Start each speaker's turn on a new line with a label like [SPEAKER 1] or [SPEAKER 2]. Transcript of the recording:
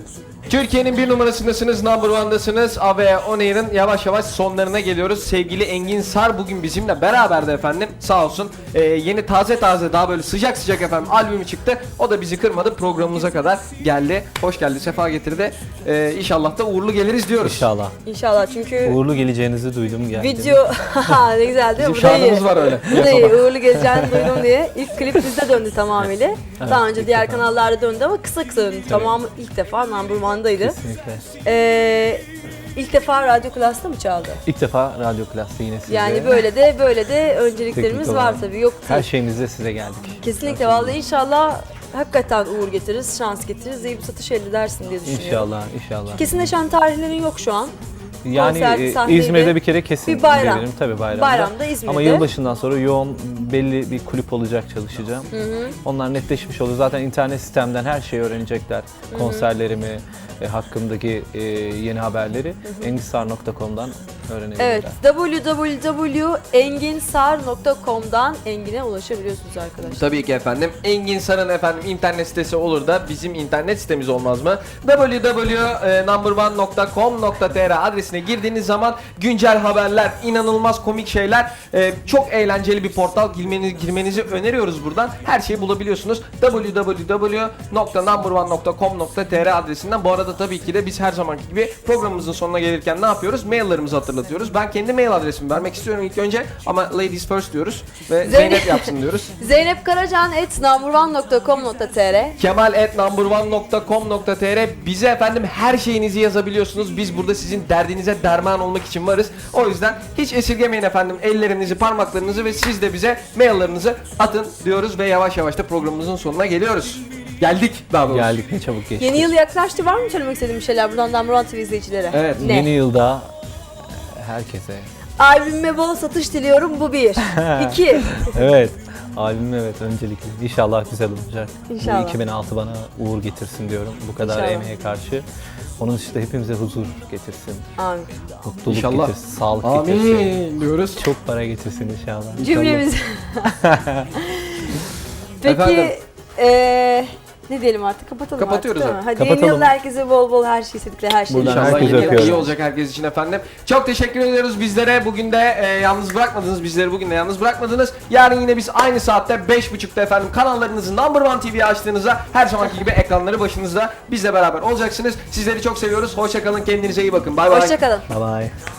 [SPEAKER 1] Türkiye'nin bir numarasındasınız, number one'dasınız. AV On Air'ın yavaş yavaş sonlarına geliyoruz. Sevgili Engin Sar bugün bizimle beraberdi efendim. Sağ olsun. Yeni taze daha böyle sıcak sıcak efendim albümü çıktı. O da bizi kırmadı, programımıza kadar geldi. Hoş geldi, sefa getirdi. İnşallah da uğurlu geliriz diyoruz.
[SPEAKER 2] İnşallah.
[SPEAKER 3] İnşallah çünkü
[SPEAKER 2] Uğurlu geleceğinizi duydum geldim.
[SPEAKER 3] video ne güzel değil mi?
[SPEAKER 1] Bizim
[SPEAKER 3] Bu da iyi.
[SPEAKER 1] şarkımız var öyle.
[SPEAKER 3] Bu da iyi. Uğurlu geleceğini duydum diye. İlk klip bizde döndü tamamıyla. Daha önce diğer kanallarda döndü ama kısa döndü. Tamamı ilk defa number one'daydı.
[SPEAKER 2] Kesinlikle.
[SPEAKER 3] İlk defa Radyo Klas'ta mı çaldı?
[SPEAKER 2] İlk defa Radyo Klas'ta yine sizde.
[SPEAKER 3] Yani böyle de önceliklerimiz
[SPEAKER 2] Teknik
[SPEAKER 3] var
[SPEAKER 2] olarak.
[SPEAKER 3] tabii. Yok
[SPEAKER 2] Her
[SPEAKER 3] değil.
[SPEAKER 2] şeyimizle size geldik.
[SPEAKER 3] Kesinlikle vallahi inşallah hakikaten uğur getiririz, şans getiririz, iyi bir satış elde edersin diye düşünüyorum.
[SPEAKER 2] İnşallah.
[SPEAKER 3] Kesinleşen tarihlerin yok şu an.
[SPEAKER 2] Yani
[SPEAKER 3] Konserdi, sahneydi.
[SPEAKER 2] İzmir'de bir kere kesin
[SPEAKER 3] Bir bayram.
[SPEAKER 2] gelirim tabii bayramda.
[SPEAKER 3] Bayramda İzmir'de.
[SPEAKER 2] Ama yılbaşından sonra yoğun belli bir kulüp olacak çalışacağım. Onlar netleşmiş olur. Zaten internet sistemden her şeyi öğrenecekler. Konserlerimi, hakkımdaki yeni haberleri enginsar.com'dan öğrenebilirler.
[SPEAKER 3] Evet, www.enginsar.com'dan Engin'e ulaşabiliyorsunuz arkadaşlar.
[SPEAKER 1] Tabii ki efendim. Engin Sar'ın efendim internet sitesi olur da bizim internet sitemiz olmaz mı? www.numberone.com.tr adresine girdiğiniz zaman güncel haberler, inanılmaz komik şeyler, çok eğlenceli bir portal, girmenizi öneriyoruz buradan. Her şeyi bulabiliyorsunuz. www.numberone.com.tr adresinden. Bu arada tabii ki de biz her zamanki gibi programımızın sonuna gelirken ne yapıyoruz? Maillerimizi hatırlatıyoruz. Ben kendi mail adresimi vermek istiyorum ilk önce ama ladies first diyoruz ve Zeynep yapsın diyoruz.
[SPEAKER 3] Zeynep Karacan@numberone.com.tr
[SPEAKER 1] kemal@numberone.com.tr bize efendim her şeyinizi yazabiliyorsunuz. Biz burada sizin derdinize derman olmak için varız. O yüzden hiç esirgemeyin efendim ellerinizi, parmaklarınızı ve siz de bize maillerinizi atın diyoruz ve yavaş yavaş da programımızın sonuna geliyoruz. Geldik daha doğrusu.
[SPEAKER 2] Geldik ne çabuk geçti.
[SPEAKER 3] Yeni yıl yaklaştı. Var mı söylemek istediğim bir şeyler buradan Number One TV izleyicilere?
[SPEAKER 1] Evet.
[SPEAKER 3] Ne?
[SPEAKER 2] Yeni yılda herkese.
[SPEAKER 3] Albümüme bol satış diliyorum. Bu bir. İki.
[SPEAKER 2] Evet. Albüm evet öncelikle. İnşallah güzel olacak.
[SPEAKER 3] İnşallah.
[SPEAKER 2] Bu 2006 bana uğur getirsin diyorum. Bu kadar
[SPEAKER 3] İnşallah.
[SPEAKER 2] emeğe karşı. Onun dışında hepimize huzur getirsin.
[SPEAKER 3] Amin.
[SPEAKER 2] Mutluluk
[SPEAKER 1] İnşallah.
[SPEAKER 2] getirsin. Sağlık getirsin.
[SPEAKER 1] Amin diyoruz.
[SPEAKER 2] Çok para getirsin inşallah.
[SPEAKER 3] Cümlemiz. Peki
[SPEAKER 1] Efendim?
[SPEAKER 3] ne diyelim artık? Kapatalım
[SPEAKER 1] Kapatıyoruz
[SPEAKER 3] artık. Değil mi?
[SPEAKER 1] artık.
[SPEAKER 3] Hadi yeni
[SPEAKER 2] Kapatalım.
[SPEAKER 3] yılda herkese bol bol her şey istedikleri her şey.
[SPEAKER 2] Buradan
[SPEAKER 1] İnşallah
[SPEAKER 2] herkese
[SPEAKER 1] yeni yıl
[SPEAKER 2] öpüyorum.
[SPEAKER 1] iyi olacak herkes için efendim. Çok teşekkür ediyoruz bizlere. Bugün de yalnız bırakmadınız. Bizleri bugün de yalnız bırakmadınız. Yarın yine biz aynı saatte 5.30'da efendim kanallarınızı Number One TV'ye açtığınızda her zamanki gibi ekranları başınızda bizle beraber olacaksınız. Sizleri çok seviyoruz. Hoşça kalın. Kendinize iyi bakın. Bay bay.
[SPEAKER 3] Hoşça kalın.
[SPEAKER 2] Bye bye.